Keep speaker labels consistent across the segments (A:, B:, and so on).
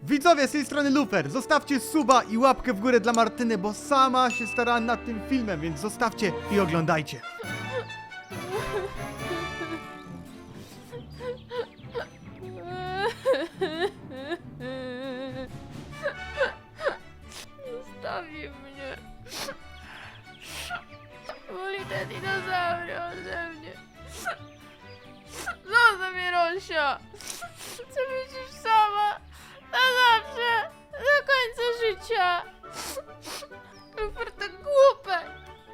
A: Widzowie, z tej strony Lufer, zostawcie suba i łapkę w górę dla Martyny, bo sama się starała nad tym filmem, więc zostawcie i oglądajcie.
B: Zostawi mnie. Boli te dinozaury ode mnie. Zostaw mnie, Rosia. Chcę być już sama. Na zawsze. Do końca życia. Lufer to głupek.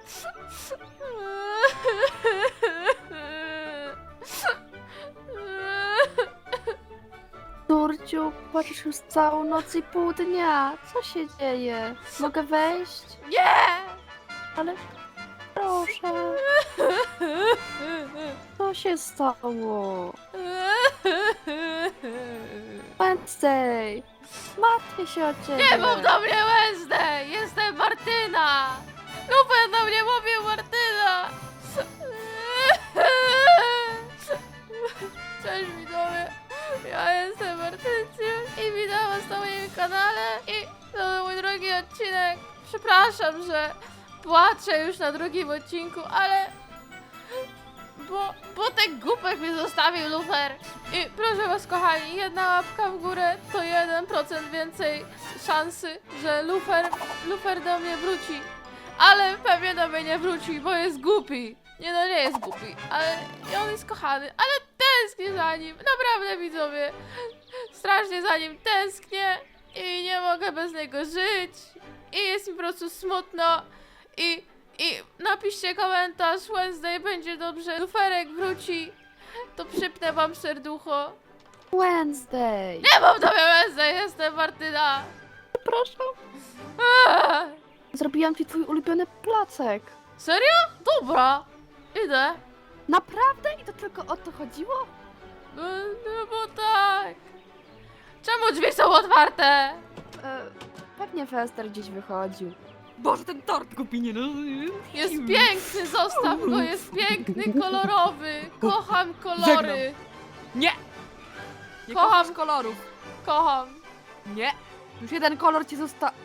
C: Turciu, płaczesz już całą noc i pół dnia. Co się dzieje? Mogę wejść?
B: Nie!
C: Ale proszę. Co się stało? Wednesday! Martwię się o ciebie.
B: Nie mów do mnie Wednesday! Jestem Martyna! Lufer do mnie mówił Martyna! Cześć widzowie! Ja jestem Martynciem i witam was na moim kanale i to był mój drugi odcinek. Przepraszam, że płaczę już na drugim odcinku, ale... Bo ten głupek mnie zostawił, Lufer. I proszę was, kochani, jedna łapka w górę to 1% więcej szansy, że Lufer do mnie wróci. Ale pewnie do mnie nie wróci, bo jest głupi. Nie, no nie jest głupi, ale on jest kochany, ale tęsknię za nim. Naprawdę, widzowie, strasznie za nim tęsknię i nie mogę bez niego żyć. I jest mi po prostu smutno i napiszcie komentarz, Wednesday będzie dobrze, Luferek wróci, to przypnę wam serducho.
C: Wednesday!
B: Nie mam do mnie Wednesday, jestem Martyna.
C: Przepraszam.
B: Eee.
C: Zrobiłam ci twój ulubiony placek.
B: Serio? Dobra, idę.
C: Naprawdę? I to tylko o to chodziło?
B: No bo tak. Czemu drzwi są otwarte?
C: Pewnie Fester gdzieś wychodził.
D: Boże, ten tort kupi, nie no.
B: Jest piękny, zostaw go, jest piękny, kolorowy. Kocham kolory.
D: Nie! Nie
B: Kocham.
D: kochasz kolorów.
B: Kocham.
D: Nie.
C: Już jeden kolor ci zostawił.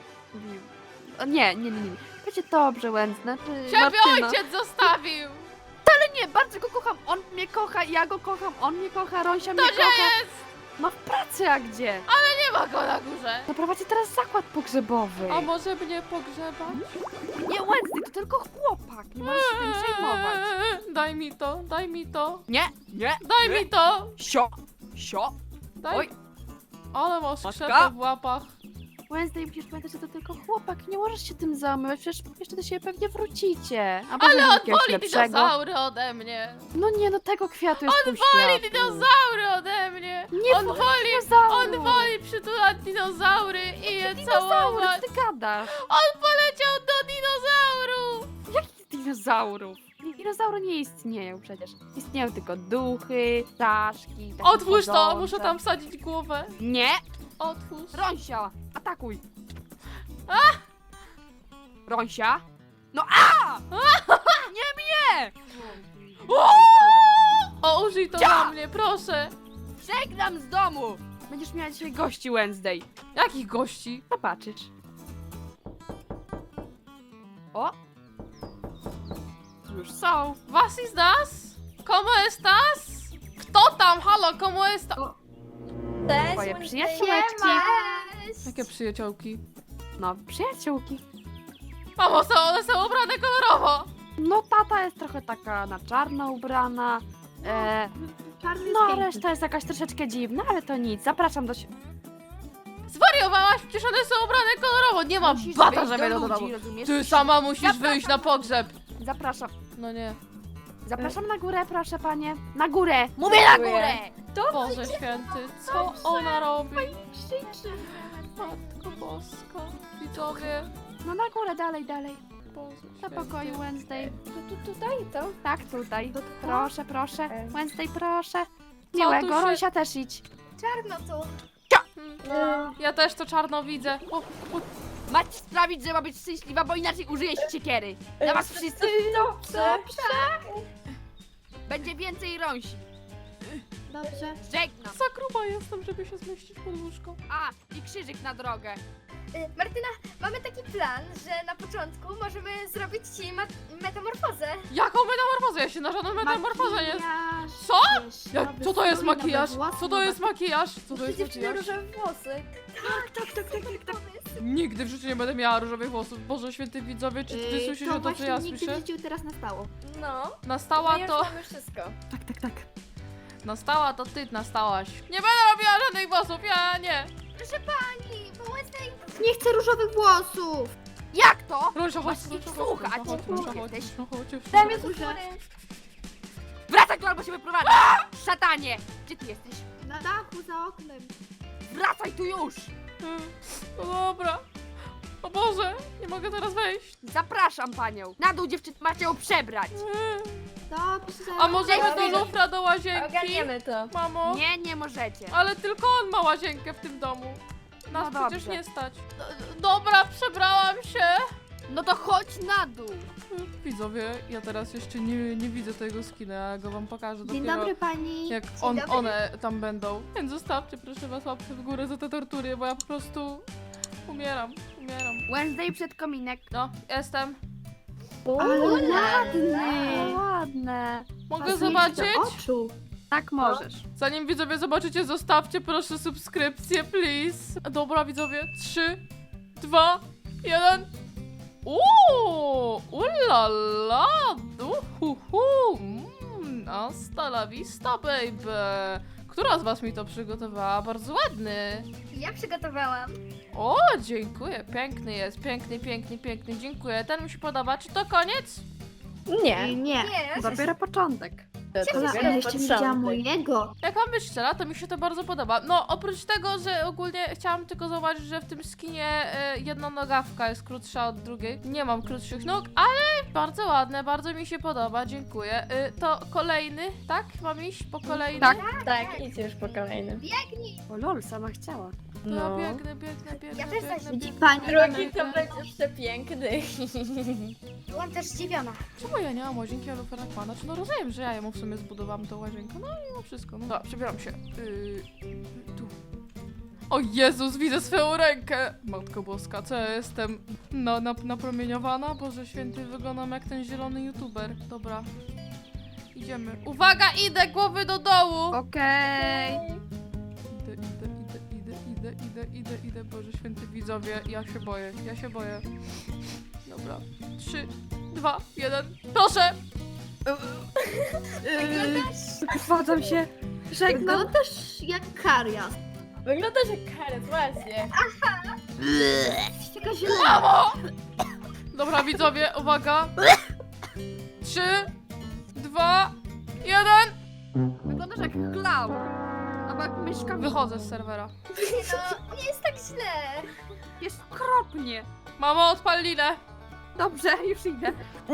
C: Nie. Będzie dobrze, Wednesday. Znaczy,
B: Ciebie
C: Martyna.
B: ojciec zostawił.
C: Nie, bardzo go kocham. On mnie kocha, ja go kocham. On mnie kocha, Rosia mnie
B: To gdzie
C: kocha.
B: jest?
C: No w pracy, a gdzie?
B: Nie ma go na górze.
C: Zaprowadzi teraz zakład pogrzebowy.
B: A może mnie pogrzebać?
C: Nie, Wednesday, to tylko chłopak. Nie możesz się tym przejmować.
B: Daj mi to, daj mi to.
D: Nie, nie.
B: Daj
D: nie.
B: mi to.
D: Sio.
B: Daj.
D: Oj.
B: Ale masz
D: Matka?
B: krzepę w łapach.
C: Wednesday, musisz pamiętać, że to tylko chłopak. Nie możesz się tym zajmować. Przecież jeszcze do siebie pewnie wrócicie. A
B: Ale on
C: jakiegoś
B: woli
C: lepszego.
B: dinozaury ode mnie.
C: No nie, no tego kwiatu jest
B: On
C: pół
B: woli
C: światu.
B: dinozaury ode mnie.
C: Nie
B: On
C: woli
B: woli,
C: dinozaurów.
B: on woli przytulać dinozaury i je
C: Dinozaury,
B: całować.
C: co ty gadasz?
B: On poleciał do dinozaurów.
C: Jakich dinozaurów? Dinozaury nie istnieją przecież. Istnieją tylko duchy, ptaszki, takie
B: Otwórz to,
C: chodzące.
B: muszę tam wsadzić głowę.
C: Nie!
B: Otwórz.
C: Rąsia, atakuj!
D: Rąsia. No a! Nie mnie!
B: O, użyj to na mnie, proszę.
C: Żegnam z domu! Będziesz miała dzisiaj gości, Wednesday.
B: Jakich gości?
C: Zobaczysz. O! Już są.
B: Was is das? ¿Cómo estás? Kto tam? Halo, ¿cómo está?
C: Twoje przyjaciółeczki.
B: Jakie przyjaciółki?
C: No, przyjaciółki.
B: Mamo, one są ubrane kolorowo.
C: No, tata jest trochę taka na czarno ubrana. No, a reszta jest jakaś troszeczkę dziwna, ale to nic. Zapraszam do siebie.
B: Zwariowałaś? Przecież one są ubrane kolorowo. Nie ma bata, żeby do domu.
C: rozumiesz?
B: Ty sama musisz wyjść na pogrzeb.
C: Zapraszam.
B: No nie.
C: Zapraszam na górę, proszę panie. Na górę! Mówię na górę!
B: Boże święty, co ona robi? Matko Boska. Widzowie.
C: No na górę, dalej.
B: Boże
C: Do
B: święty.
C: pokoju, Wednesday.
E: Tutaj to?
C: Tak, tutaj. Proszę. Wednesday, proszę.
B: tu
C: Miłego,
B: się-
C: Rosia też idź.
E: Czarno tu.
B: Ja też to czarno widzę. O,
D: Macie sprawić, że ma być szczęśliwa, bo inaczej użyję siekiery. Dla was wszyscy
E: Dobrze.
D: będzie więcej rąsi.
E: Dobrze.
D: Żegnam.
B: Za gruba jestem, żeby się zmieścić pod łóżko.
D: A, i krzyżyk na drogę.
E: Martyna, mamy taki plan, że na początku możemy zrobić ci metamorfozę.
B: Jaką metamorfozę? Ja się na żadną metamorfozę nie...
C: Makijaż,
B: Co?
C: wiesz,
B: Jak,
C: nowy
B: co to jest
C: strój, nowe
B: makijaż?
C: włosy,
B: Co to jest makijaż? Co to jest
E: Dziewczyny
B: makijaż?
E: różowe włosy.
C: Tak.
B: Nigdy w życiu nie będę miała różowych włosów. Boże, święty widzowie, czy ty słyszysz to, co
C: właśnie
B: ja
C: nigdy
B: słyszę?
C: w życiu teraz nastało.
E: No.
B: Nastała
E: My już
B: to...
E: mamy wszystko.
C: Tak.
B: Nastała to ty nastałaś. Nie będę robiła żadnych włosów, ja nie.
E: Proszę pani, po łysej...
C: Nie chcę różowych włosów!
D: Jak to?
B: Róża, chodź,
D: Masz ich
B: chodź,
D: słuchać.
B: chodź, chodź, chodź,
D: Jesteś.
B: chodź.
E: Daj mi z góry.
D: Wracaj tu albo się wyprowadzę! Szatanie! Gdzie ty jesteś?
C: Na dachu, za oknem.
D: Wracaj tu już!
B: No dobra. O Boże, nie mogę teraz wejść.
D: Zapraszam panią. Na dół dziewczyny macie ją przebrać.
C: Dobrze.
B: A możemy
E: Dobra.
B: do lufra do łazienki?
E: Ogarniemy to.
B: Mamo?
D: Nie, nie możecie.
B: Ale tylko on ma łazienkę w tym domu. Nas
D: No
B: przecież
D: dobrze.
B: nie stać. Dobra, przebrałam się.
D: No to chodź na dół.
B: Widzowie, ja teraz jeszcze nie widzę tego skina, ja go wam pokażę
C: Dzień
B: dopiero
C: dobry pani.
B: jak
E: dobry.
B: one tam będą. Więc zostawcie proszę was łapkę w górę za te tortury, bo ja po prostu umieram.
D: Wednesday przed kominek.
B: No, jestem.
C: Ale ładny.
D: Ładne.
B: Mogę
C: Pasuje ci
B: zobaczyć?
C: do oczu.
D: Tak możesz.
B: Zanim widzowie zobaczycie, zostawcie proszę subskrypcję, please. Dobra widzowie, 3, 2, 1. Ulala, hasta la vista, baby. Która z was mi to przygotowała? Bardzo ładny.
E: Ja przygotowałam.
B: O, dziękuję, piękny jest, piękny, dziękuję. Ten mi się podoba, czy to koniec?
C: Nie.
E: Nie.
C: Dopiero początek.
E: To
C: Ale jeszcze nie widziałam mojego.
B: Jak mam być szczera, to mi się to bardzo podoba. No, oprócz tego, że ogólnie chciałam tylko zauważyć, że w tym skinie jedna nogawka jest krótsza od drugiej. Nie mam krótszych nóg, ale bardzo ładne, bardzo mi się podoba, dziękuję. To kolejny, tak? Mam iść po kolejny?
D: Tak.
F: Tak, idź już po kolejnym.
C: O lol, sama chciała.
B: To ja biegnę.
E: Ja też zaś
C: Widzi pani.
F: Drugi to będziesz przepiękny.
E: Byłam też zdziwiona.
B: Czemu ja nie mam łazienki Aluferakwana? Znaczy, no rozumiem, że ja ją w sumie zbudowałam tą łazienkę, no i no wszystko. No dobra, przebieram się. Tu. O Jezus, widzę swoją rękę! Matko Boska, co ja jestem? Napromieniowana? Boże święty, wyglądam jak ten zielony youtuber. Dobra. Idziemy. Uwaga, idę, głowy do dołu!
D: Okej.
B: Idę, Boże święty widzowie, ja się boję. Dobra. 3, 2, 1, proszę!
C: Wyprowadzam się. Żegnam.
E: Wyglądasz jak karias.
F: Wyglądasz jak karet, właśnie.
E: Taka zielona.
B: Mamo! Dobra widzowie, uwaga. 3, 2, 1.
D: Wyglądasz jak klaun. Albo jak myszka.
B: Wychodzę z serwera.
E: No, nie jest tak źle.
D: Jest okropnie.
B: Mamo, odpal linę.
D: Dobrze, już idę.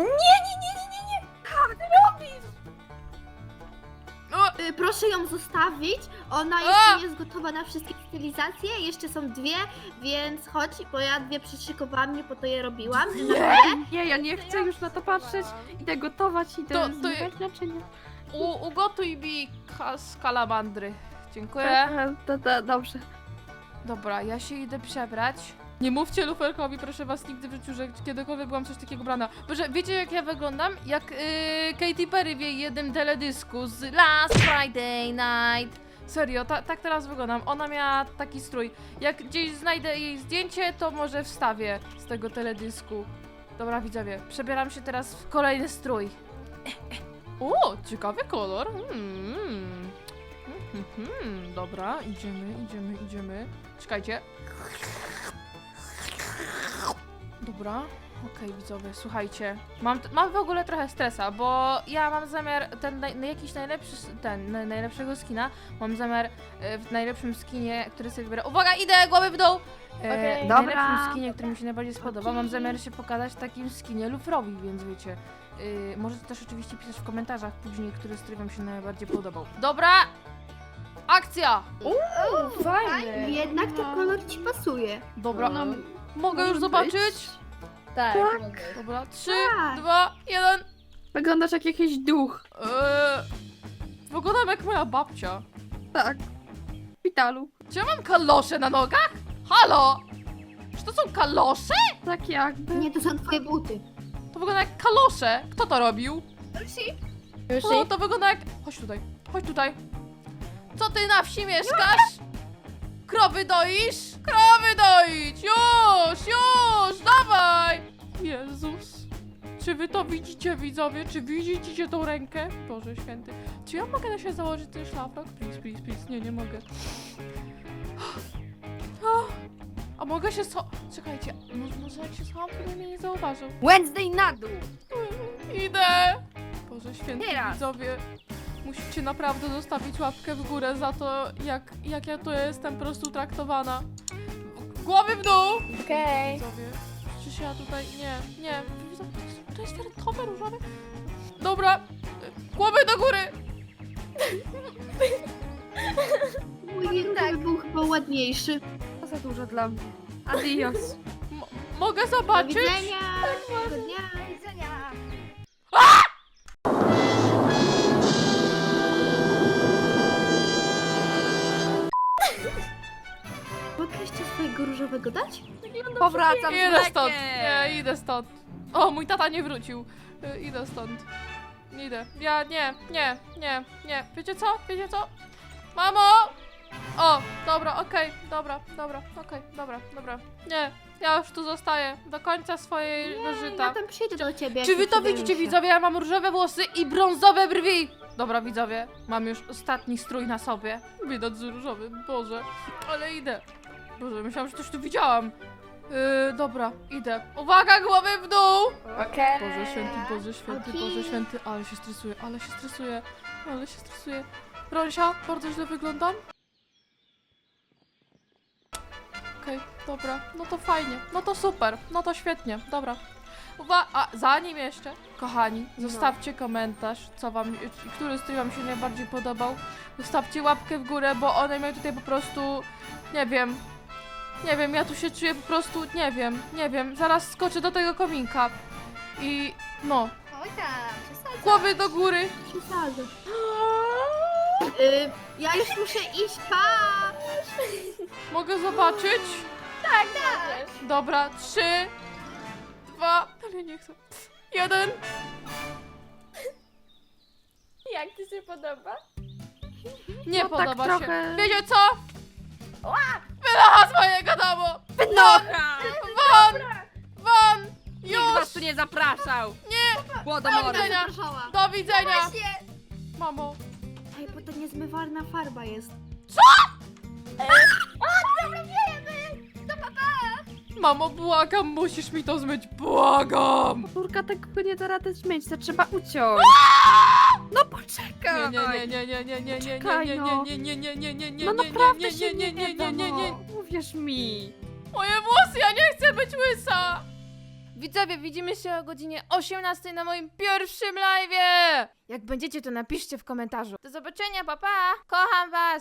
B: O,
C: Proszę ją zostawić. Ona
B: A!
C: jeszcze nie jest gotowa na wszystkie stylizacje. Jeszcze są dwie, więc chodź, bo ja dwie przyszykowałam, nie po to je robiłam.
D: Nie, ja nie chcę już na to patrzeć. Idę gotować,
B: To-
D: idę
B: to-
D: zmywać naczynia.
B: ugotuj mi skalamandry. Dziękuję.
D: Dobrze.
B: Dobra, ja się idę przebrać. Nie mówcie luferkowi, proszę was, nigdy w życiu, że kiedykolwiek byłam coś takiego brana. Boże, wiecie jak ja wyglądam? Jak Katy Perry w jej jednym teledysku z Last Friday Night. Serio, tak teraz wyglądam. Ona miała taki strój. Jak gdzieś znajdę jej zdjęcie, to może wstawię z tego teledysku. Dobra, widzowie, przebieram się teraz w kolejny strój. O, ciekawy kolor. Dobra, idziemy. Czekajcie. Dobra, okej, widzowie, słuchajcie. Mam w ogóle trochę stresa, bo ja mam zamiar najlepszego skina. Mam zamiar w najlepszym skinie, który sobie wybiorę. Uwaga, idę, głowy w dół!
F: Okej.
B: W
D: Dobra.
B: najlepszym skinie, który mi się najbardziej spodoba. Mam zamiar się pokazać w takim skinie lufrowi, więc wiecie. Możecie też oczywiście pisać w komentarzach później, który strój wam się najbardziej podobał. Dobra! Akcja!
F: Fajny.
C: Jednak ten kolor ci pasuje.
B: Dobra,
F: No,
B: mogę już
C: może
B: zobaczyć?
F: Tak.
B: Dobra, 3,
C: Tak.
B: 2, 1.
D: Wyglądasz jak jakiś duch.
B: Wyglądam jak moja babcia.
C: Tak. W szpitalu.
B: Czy ja mam kalosze na nogach? Halo? Czy to są kalosze?
C: Tak jakby.
E: Nie, to są twoje buty.
B: To wygląda jak kalosze. Kto to robił?
F: Już
B: No, to wygląda jak... Chodź tutaj, chodź tutaj. Co ty na wsi mieszkasz? Krowy doisz? Krowy doić! Już, dawaj! Jezus. Czy wy to widzicie, widzowie? Czy widzicie tą rękę? Boże święty. Czy ja mogę na siebie założyć ten szlafrok? Please. Nie mogę. A mogę się Czekajcie, może jak się schowam, to mnie nie zauważył.
D: Wednesday na dół.
B: Idę! Boże święty,
D: Teraz.
B: widzowie. Musicie naprawdę zostawić łapkę w górę za to, jak ja tu jestem po prostu traktowana. Głowy w dół!
F: Okej.
B: Widzowie, czy się ja tutaj... Nie. Widzowie, to jest fioletowe, różowe. Dobra, głowy do góry!
E: Mój różowy był chyba ładniejszy.
C: To za dużo dla mnie. Adios.
B: Mogę
E: Do
B: zobaczyć?
E: widzenia. Do dnia. Do widzenia. Mogę jeszcze swojego różowego dać?
D: Powracam z
B: Idę stąd.
D: mlekiem.
B: Nie, idę stąd. O, mój tata nie wrócił. Idę stąd. Idę. Ja nie. Wiecie co? Mamo! O, dobra, okej, dobra. Nie, ja już tu zostaję do końca swojej
E: Ja
B: życia.
E: tam przyjdę do ciebie.
B: Czy
E: jak
B: wy
E: już
B: to
E: przydają
B: widzicie,
E: się.
B: widzowie? Ja mam różowe włosy i brązowe brwi. Dobra, widzowie, mam już ostatni strój na sobie. Widać z różowym, Boże. Ale idę. Boże, myślałam, że coś tu widziałam. Dobra, idę. Uwaga, głowy w dół!
F: Okej.
B: Boże święty,
E: Okej.
B: Boże święty. Ale się stresuję. Ronsia, bardzo źle wyglądam? Okej, dobra. No to fajnie. No to super. No to świetnie. Dobra. A zanim jeszcze, kochani, zostawcie komentarz, co wam, który strój wam się najbardziej podobał. Zostawcie łapkę w górę, bo one mnie tutaj po prostu, nie wiem, ja tu się czuję po prostu, nie wiem, zaraz skoczę do tego kominka. I no,
E: Oj tam, przesadzam.
B: głowy do góry.
E: Przesadzam. Ja już muszę iść, pa!
B: Mogę zobaczyć?
F: Tak.
B: Dobra, 3, 2, ale nie chcę. 1.
F: Jak ci się podoba?
B: Nie
C: No tak
B: podoba się.
C: trochę-
B: Wiecie co? Wynocha z mojego domu!
D: Wynocha!
B: Won!
D: Nikt was
B: Już!
D: tu nie zapraszał.
B: Nie!
D: Głodomory.
B: Do widzenia!
E: Zapraszała.
B: Do widzenia!
E: Właśnie.
B: Mamo,
E: Ej, bo to niezmywalna farba jest.
B: mamo, błagam, musisz mi to zmyć, błagam!
C: Córka tego nie da rady zmyć, to trzeba uciąć. No poczekaj. No naprawdę się nie da, no. Uwierz mi.
B: Moje włosy, ja nie chcę być łysa! Widzowie, widzimy się o godzinie 18 na moim pierwszym live'ie! Jak będziecie, to napiszcie w komentarzu. Do zobaczenia, papa! Kocham was!